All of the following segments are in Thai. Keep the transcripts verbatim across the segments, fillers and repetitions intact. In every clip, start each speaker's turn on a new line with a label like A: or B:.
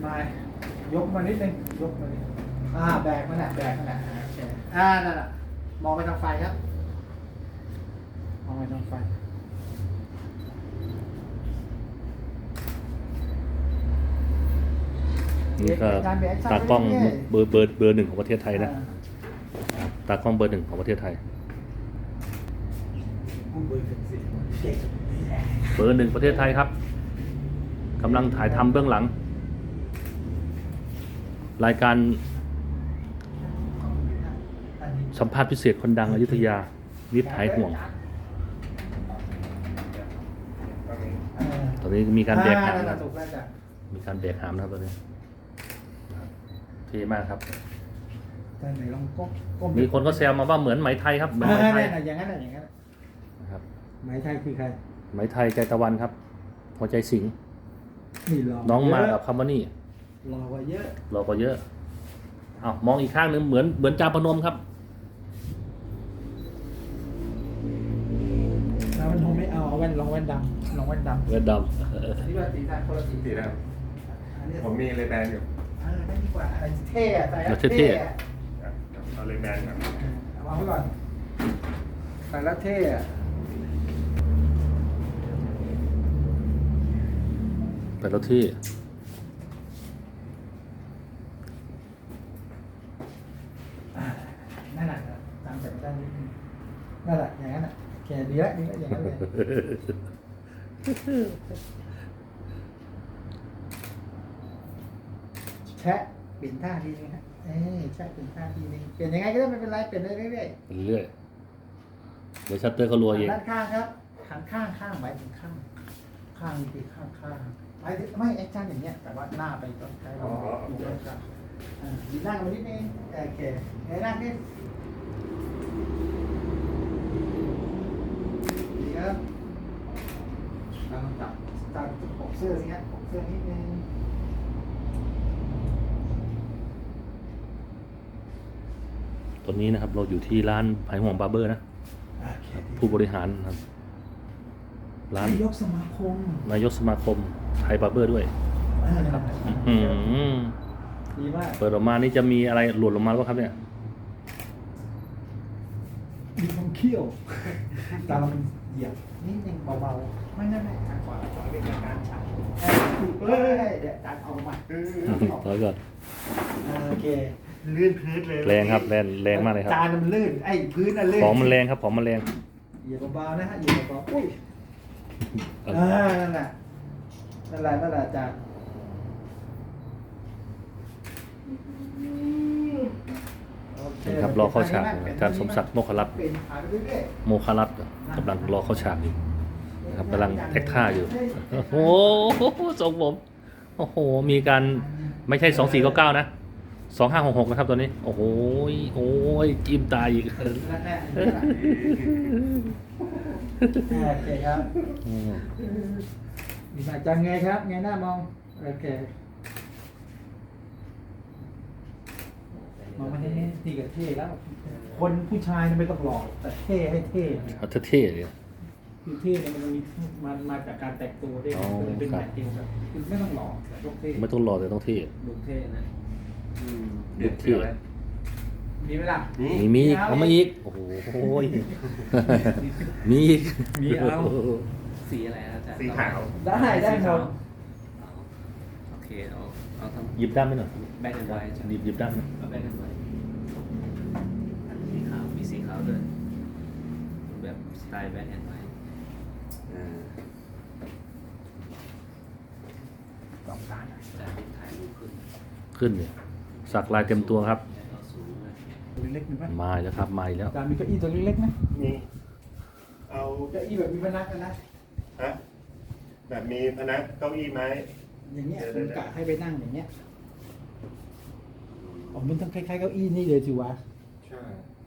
A: มายยกมานิดนึงยกมานิดอ่าแบกมันน่ะแบกมันน่ะอ่าโอเคอ่านั่นน่ะมองไปทางไฟครับมองไปทางไฟ
B: นี่ก็ตากล้องเบอร์เบอร์เบอร์หนึ่งของประเทศไทยนะตากล้องเบอร์หนึ่งของประเทศไทยเบอร์หนึ่งประเทศไทยครับกำลังถ่ายทำเบื้องหลัง รายการสัมภาษณ์พิเศษคนดังอยุธยานิดหายห่วงตอนนี้มีการแบกหามนะครับมีการแบกหามนะครับตอนนี้เท่มากครับมีคนก็แซวมาว่าเหมือนไหมไทยครับเหมือนไหมไทย
A: อย่างนั้นอย่างนั้น
B: นะครับ
A: ไหมไทยคือใคร
B: ไหมไทยใจตะวันครับหัวใจสิงห์น้องมากับคำว่านี่
A: รอกว่าเยอะ
B: รอกว่าเยอะอ้าวมองอีกข้างนึงเหมือนเหมือนจาพนมครับ
A: แล้วมันคงไม่เอาเอาแว่นลองแว่นดำลองแว่นดำ
B: แว่นด
A: ำนี่ว่าสีดำคนละสี
C: สีดำผมมีเลยแบนอยู่
A: เออได้ดีกว่าอะไรเท่ใส่แล้ว
B: เท่
C: เอาเลยแบนครับ
A: เอาวางไว้ก่อนใส่แล้วเท่
B: แต่ละที่
A: นั่นแหละตามแบบด้านนี้นั่นแหละอย่างนั้นแหละแค่ดีแล้วดีแล้วอย่างนั้นเลยแชะเปลี่ยนท่าทีนึงฮะเอ้แชะเปลี่ยนท่าทีนึงเปลี่ยนยังไงก็ได้ไม่เป็นไรเปลี่ยนเรื่อย
B: ๆเรื่อยเดี๋ยวชัตเตอร์เขารัวเอง
A: ด้านข้างครับข้างข้างข้างหมายถึงข้างข้างนี่คือข้างข้างไม่ไม่แอคชั่นอย่างเงี้ยแต่ว่าหน้าไปต้องใช้เราอยู่ด้านข้างยืนหน้ากันนิดนึงโอเคเฮ้ยหน้าขึ้นดีครับเราต้องจับจับปกเสื้อสิฮะปกเสื้อนิดนึง
B: ตอนนี้นะครับเราอยู่ที่ร้านไผ่ห่วงบาร์เบอร์นะผู้บริหารครับร้าน
A: นายกสมาคม
B: นายกสมาคมไทยบาร์เบอร์ด้วยครับ
A: ดีมาก
B: เปิดออกมานี่จะมีอะไรหลุดออกมาหรือเปล่าครับเนี่ย
A: มีความเขี้ยวตาเรามันเหยียบนิดนึงเบาๆไม่ไม่ไม่ทางขวาขวาเป็นการฉายเฮ้ยเดี๋ยวตัดออกมา
B: แล้วก็
A: โอเคลื่นพื้นเลย
B: แรงครับแรงแรงมากเลยครับ
A: จานมันลื่นไอ้พื้นน่ะลื่น
B: ของมันแรงครับของมันแรง
A: เหยียบเบาๆนะฮะเหยียบเบาๆอุ้ยอ่านั่นแหละนั่นแหละนั่นแหละจาน
B: ครับรอเข้าฉากอาจารย์สมศักดิ์โมครัตน์โมครัตน์กำลังรอเข้าฉากอยู่นะครับกำลังแอคท่าอยู่โอ้โหทรงผมโอ้โหมีการไม่ใช่สองสี่เก้าเก้านะสองห้าหกหกนะครับตัวนี้โอ้โหโอ้ยจิ้มตายอีก
A: โอเคครับมีสายจังไงครับไงหน้ามองโอเคมองมาที่นี่ตีกับเท่แล้วคนผู้ชายไม่ต้องหล่อแต่เท่ให้เท่
B: เอาเท่เลย
A: คือเท่เนี่ยมันมีมันมาจากการแต่งตัวได้เป็นแบบเดียวกันคือไม่ต้องหล่อแต่ต้องเท่
B: ไม่ต้องหล่อแต่ต้องเท่
A: ดูเท่นะ
B: ดูเท่
A: มีไหมล่ะ
B: มีมีเขามาอีกโอ้โหมีอีก
A: มีเอา
D: สีอะไรอาจารย์
C: สีขาว
A: ได้ได้หมด
D: โอเคเอาเอาทำ
B: หยิบด้ามไปหน่อย
D: แบงค์แอนด์ไวท์
B: หยิบหยิบด้าม
D: เอาแบงค์แอนด์ไวท์สีขาวมีสีขาวด้วยแบบสไตล์แบงค์แอนด์ไวท์
A: สองด้าน
D: แต่ถ่ายรูปขึ้น
B: ขึ้นเนี่ยสักลายเต็มตัวครับ
A: ตัวเล็กมีไหม
B: มาแล้วครับมาแล้ว
A: จานมีเก้าอี้ตัวเล็กๆไหม
C: มีเอา
A: เก้าอี้แบบมีพนักนะ
C: ฮะแบบมีพนักเก้าอี้ไม้
A: อย่างเงี้ยคุณกะให้ไปนั่งอย่างเงี้ยอ๋อมันต้องคล้ายๆเก้าอี้นี่เลยสิวะ
C: ใช่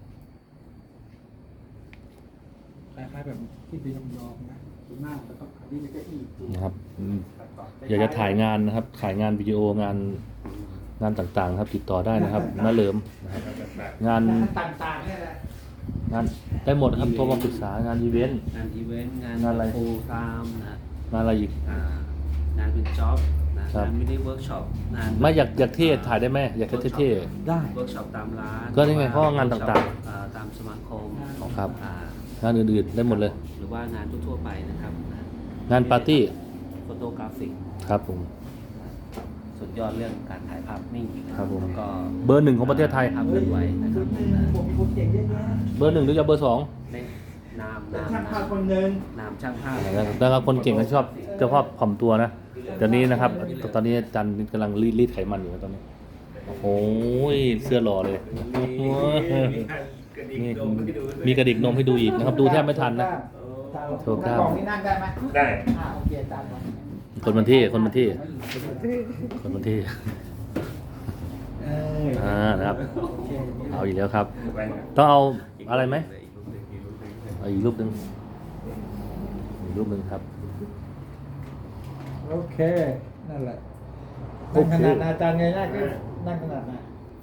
A: คล้ายๆแบบที่เป็นยองๆนะคุณนั่งแล้วก็อันนี้เป็นเก้าอี้
B: นะครับอยากจะถ่ายงานนะครับถ่ายงานวิดีโองานงานต่างๆครับติดต่อได้นะครับน้าเหลิมงาน
A: ต่างๆนี่แหละ
B: งานได้หมดครับโทรมาปรึกษางานอีเวนต์
D: งานอีเวนต์งาน
B: งานอะไร
D: โปรตามนะ
B: งานอะไรอีก
D: งานเป็นจ็อบนะ
B: ครับ
D: งานมินิเวิร์กช็อปงาน
B: ไม่อยากอยากเท่ถ่ายได้ไหมอยากเท่ๆได้
D: เวิร์กช็อปตามร้าน
B: ก็นี่ไงเพราะว่างานต่างๆ
D: อ่ตามสมาคม
B: ครับ
D: อ่าง
B: านอื่นๆได้หมดเลย
D: หรือว่างานทั่วๆไปนะครับ
B: งานปาร์ตี้
D: โฟโตกราฟิก
B: ครับผม
D: สุดยอดเรื่องการถ่ายภาพนิ่ง
B: ครับผม
D: แล้วก็
B: เบอร์หนึ่งของประเทศไทย
D: ภาพเคลื่อนไหวนะครับ
A: ผมมีคนเก่งเยอะแยะ
B: เบอร์หนึ่งหรือจะเบอร์สอง
D: ในนาม
A: เป็น
D: นาม
A: ช่างภาพ
D: นาม
A: คนหนึ่ง
D: นามช่างภาพ
B: แล้วก็คนเก่งก็ชอบจะชอบถ่อมตัวนะเดี๋ยวนี้นะครับ ตอนนี้อาจันกำลังรีดรีดไขมันอยู่นะตอนนี้ โอ้โหเสื้อหล่อเลยโอ้โหนี่มีกระดิกนมให้ดูอีกนะครับ ดูแทบไม่ทันนะ โชว์กล้าม
A: กล่องนี้นั่งได้ไหม
C: ได้
A: อ่าโอเคตามก่อน
B: คนมันที่คนมันที่คนมันที่
A: เออ
B: อ่านะครับ
A: โอเค
B: เอาอีกแล้วครับ
C: แว่น
B: ต้องเอาอะไรไหมเอาอีกรูปหนึ่งอีกรูปหนึ่งครับ
A: โอเค นั่นแหละ
B: โอ
A: นั่ง
B: เค
A: ขนาดอาจารย์ไงนั่งก็นั่งขนาดไหน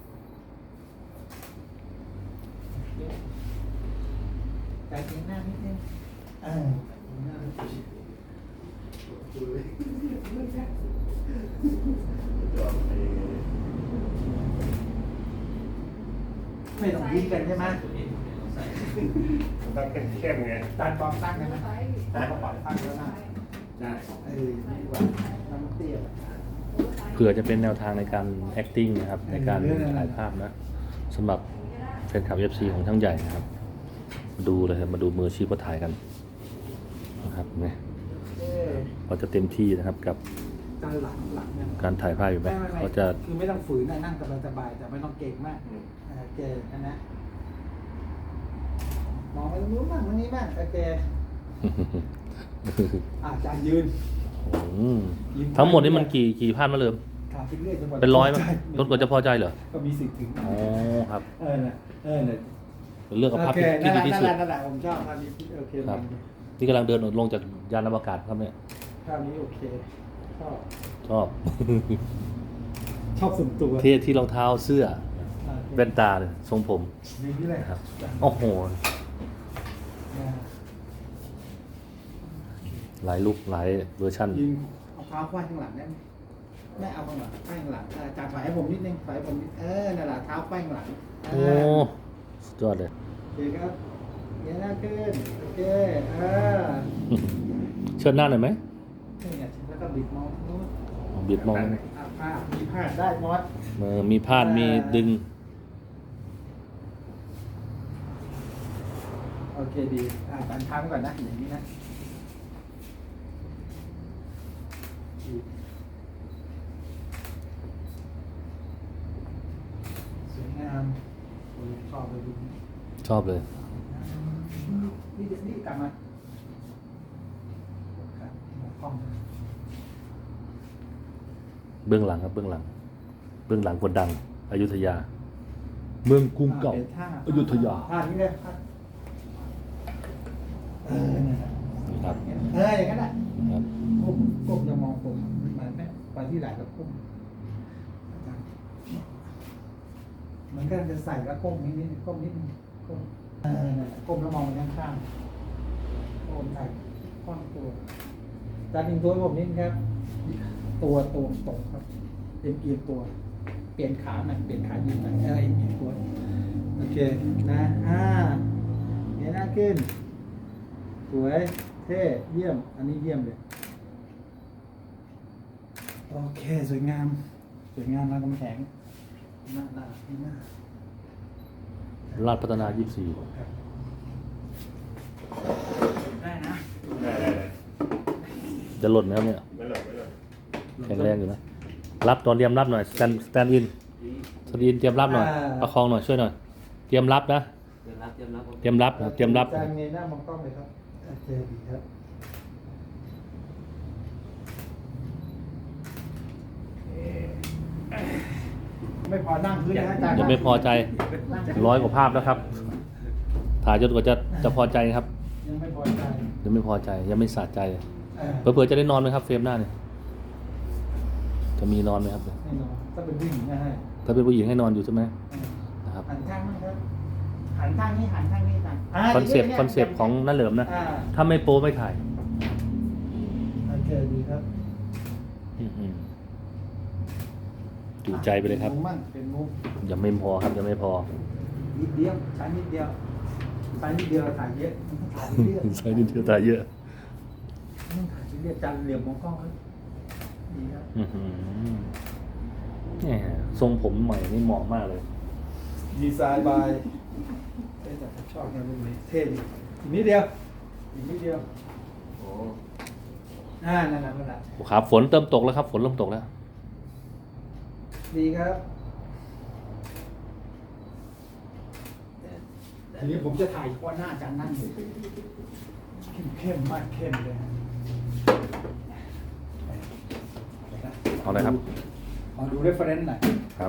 A: ใจเย็นหน้านิดนึงเออไม่ต้องยิ้มกันใช่ไหม
C: ต้องเข้มๆไง
A: จานบอมตั้งได้ไหมจานบอมตั้งแล้วนะ
C: ได้
A: เออดีกว่าน้ำเตี้ย
B: เผื่อจะเป็นแนวทางในการ acting นะครับ ในการถ่ายภาพนะสำหรับแฟนคลับ เอฟ ซี ของช่างใหญ่นะครับ มาดูเลยครับมาดูมืออาชีพก็ถ่ายกันนะครับเนี่ย
A: เออ
B: เขาจะเต็มที่นะครับกับ
A: จานหลังหลังเนี่ย
B: การถ่ายภาพอยู่ไหม
A: ไม่ไม่ไม่
B: เขาจะ
A: คือไม่ต้องฝืนนะนั่งสบายๆแต่ไม่ต้องเก่งมากโอเคนะนะมองไปตรงนู้นบ้างตรงนี้บ้างโอเคอ่ะจานยืน
B: อืมทั้งหมดนี่มันกี่กี่ภาพมาเริ่ม
A: ขาไปเรื่อยจนกว่า
B: เป็นร้อยมั้ย
A: ใช่
B: จนกว่าจะพอใจเหรอ
A: ก็มีสิทธิ์ถึง
B: อ๋อครับ
A: เออน่ะเออน่ะ
B: เลือกเอาภาพ
A: โอเค
B: ที่
A: นั่น
B: ที่
A: แห
B: ดี
A: ละ
B: ที่สุด
A: นั่นแหละนั่นแหละผมชอบภาพนี้โอเค
B: ครับ
A: มัน
B: ที่กำลังเดินลงจากยานอวกาศครับเนี่ย
A: ภาพนี้โอเคชอบ
B: ชอบ
A: ชอบส่วนตัว
B: เท่ที่รองเท้าเสื้อ
A: อ่ะ
B: แว่นตาเลยทรงผม
A: นี่นี่แหละ
B: นะครับโอ้โห
A: อ่า
B: หลายลุคหลายเวอร์ชัน
A: ยืนเอาเท้าควายข้างหลังได้ไหมไม่เอาข้างหลังควายข้างหลังเอออาจารย์ถอยให้ผมนิดนึงถอยให้ผมนิดเออนั่นแหละเท้าควายข้างหลัง
B: โอ้สุดยอดเลย
A: โอเคครับเงี้ยหน้าขึ้นโอเคเออ
B: เชิญหน้าหน่อยไหม
A: นี่ไงแล้วก็บิดมองนู้น
B: บิดมอง
A: อ่ะผ้ามีผ้าได้มอส
B: มือมีพาดมีดึง
A: โอเคดีอ่าตันค้างก่อนนะอย่างนี้นะสวยงามผมชอบเลยดู
B: ชอบเลย
A: นี่เดี๋ยวนี่กลับมาครับกล้อง
B: เบื้องหลังครับเบื้องหลัง เบื้องหลังคนดังอยุธยา เมืองกรุงเก่า
A: ป็นท่
B: อยุธยา
A: ท่านี้เลยท่าเออนั่นแหละ
B: นี่ครับ
A: เอออย่างนั้นแหละ
B: ครับ
A: ก้มก้มจะมองผมมันไม่ไปที่ไหนก็ก้มเหมันก็จะใส่แล้วก้มนิดนิดก้มนิดนึงก้มเออนั่นแหละก้มแล้วมองไปข้างข้างๆก้มใส่ข้อนตัวจานยิงตัวให้ผมนิดครับ ตัวตรงตรงครับเอ็นเอียงตัว เปลี่ยนขาหน่อยเปลี่ยนขายืนหน่อยเออเอ็นเอียงตัวโอเคนะอ่าเงยหน้าขึ้นสวยเท่เยี่ยม อันนี้เยี่ยมเลยโอเคสวยงามสวยงามรามคำแหงหน้าหน้าที่หน้า
B: ราชพัฒนายี่สิบสี่
A: ครับได้นะ
C: ได้ได้ได้
B: จะหล่นไหมครับเนี่ย
C: ไม่หลบไม่หลบ
B: แข็งแรงอยู่นะ รับตอนเตรียมรับหน่อย สแตนสแตนอินสแตนอินเตรียมรับหน่อย ประคองหน่อย ช่วยหน่อย เตรียมรับนะ
D: เตรียมรับเตรียมรับ
B: เตรียมรับนะครับเตรียมรับ
A: จานเงยหน้ามองกล้องเลยครับโอเคดีครับไม่พอนั่งพื้นนะอาจารย์
B: ยังไม่พอใจ ร้อยกว่าภาพแล้วครับ ถ่ายจนกว่าจะจะพอใจครับ
A: ยังไม่พอใจ
B: ยังไม่พอใจ ยังไม่สะใจ
A: เออ
B: เผื่อๆจะได้นอนไหมครับเฟรมหน้าเนี่ยจะมีนอนไหมครับ
A: แน่นอนถ้าเป็นผู้หญิงนะฮะ
B: ถ้าเป็นผู้หญิงให้นอนอยู่ใช่ไหมนะครับ
A: หันข้างมั้งครับหันข้างนี้หันข้างนี้ต่าง
B: คอนเซปต์คอนเซปต์ของนั่นเหลิมนะ
A: อ่า
B: ถ้าไม่โป้ไม่ถ่าย
A: โอเคดีครับ
B: อืมจูใจไปเลยครับ
A: มุมมั่งเป็นมุม
B: ยังไม่พอครับยังไม่พอ
A: นิดเดียวใช้นิดเดียวใช้นิดเดียวถ่ายเยอะถ่ายเยอะ
B: ใช้ดินเทอร์ตายเยอะ
A: ต้องถ่ายเยอะจันเหลี่ยมมองกล้องครับดีครับ
B: อื้อหือแหมทรงผมใหม่นี่เหมาะมากเลย
A: ดีไซน์บายเท่จัดชอบนะรุ่นนี้เท่ดีอีกนิดเดียวอีกนิดเดียว
D: โอ้
A: อ่านั่นแหละนั่นแหละ
B: ครับฝนเริ่มตกแล้วครับ ฝนเริ่มตกแล้ว
A: ดีครับทีนี้ผมจะถ่ายเฉพาะหน้าอาจารย์นั่งอยู่เข้มเข้มมากเข้มเลยฮะ
B: เอาเลยครับ
A: ลองดูเรฟเฟรนซ์หน่อย
B: ครับ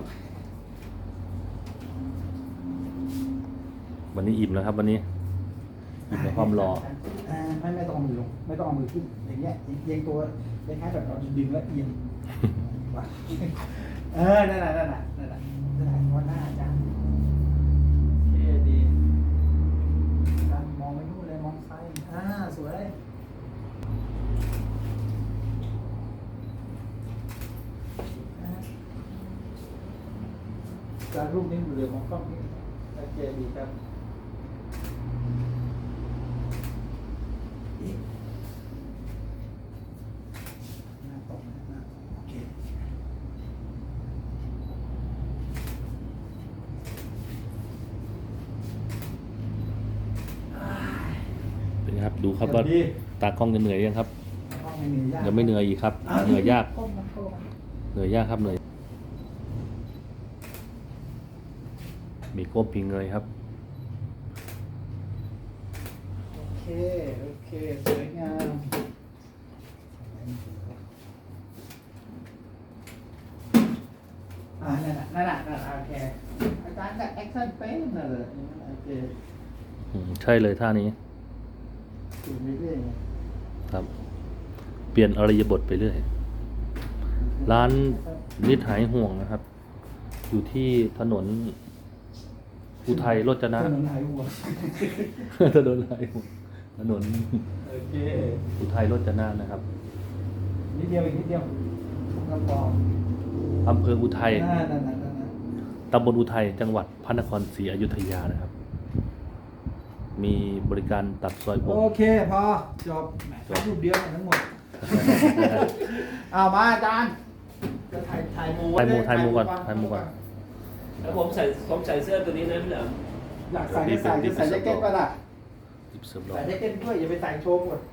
B: วันนี้อิ่มแล้วครับ วันนี้อิ่มในความรอ
A: อ่าไม่ไม่ต้องเอามือลงไม่ต้องเอามือขึ้นอย่างเงี้ยเอียงตัวคล้ายๆแบบเราดึงแล้วเอียงว่ะเออนั่นแหละนั่นแหละนั่นแหละนั่นแหละวันหน้าอาจารย์เท่ดีอาจารย์มองไปนู่นเลยมองซ้ายอ่าสวยอ่าอาจารย์รูปนี้เหลือมองกล้องนี่โอเคดีครับ หน้าตรงนะหน้าตรงโอเค
B: เป็นไงครับ ดูครับว่าตากล้องจะเหนื่อยยังครับ
A: ห้องไม่มียาก
B: ยังไม่เหนื่อยอีกครับ เหนื่อยยาก
A: ก้มนะก้มนะ
B: เหนื่อยยากครับเหนื่อย มีก้มมีเงยครับ
A: โอเค โอเค สวยงามอ่านั่นน่ะนั่นน่ะนั่นน่ะโอเค อาจารย์กับแอคชั่นเป็นน่ะเลยโอเค
B: อืมใช่เลยท่านี้
A: สูงเรื่อยๆไง
B: ครับ เปลี่ยนอริยบทไปเรื่อย ร้านนิดหายห่วงนะครับ อยู่ที่ถนนอุทัยโรจนะ
A: ถนนหายหัว
B: ถนนหายห่วงถนน
A: โอเค
B: อุทัยโรจนะนะครับ
A: นิดเดียวอีกนิดเดียวกระป๋อง
B: อำเภออุทัย
A: นั่นนั่นนั่นนั่น
B: ตำบลอุทัยจังหวัดพระนครศรีอยุธยานะครับ มีบริการตัดซอยผม
A: โอเค พอ จบแหมถ่ายรูปเดียวทั้งหมด เอามาอาจารย์จะถ่ายถ่ายหมู
B: ถ่ายหมูถ่ายหมูก่อนถ่ายหมูก่อน
D: แล้วผมใส่ผมใส่เสื้อตัวนี้นะพี่เหลิม
A: อยากใส่ก็ใส่จะใส่แจ็คเก็ตป่ะล่ะ
B: หยิบเสริมรอ
A: ใส่แจ็คเก็ตด้วยอย่าไปใส่โชว์หมด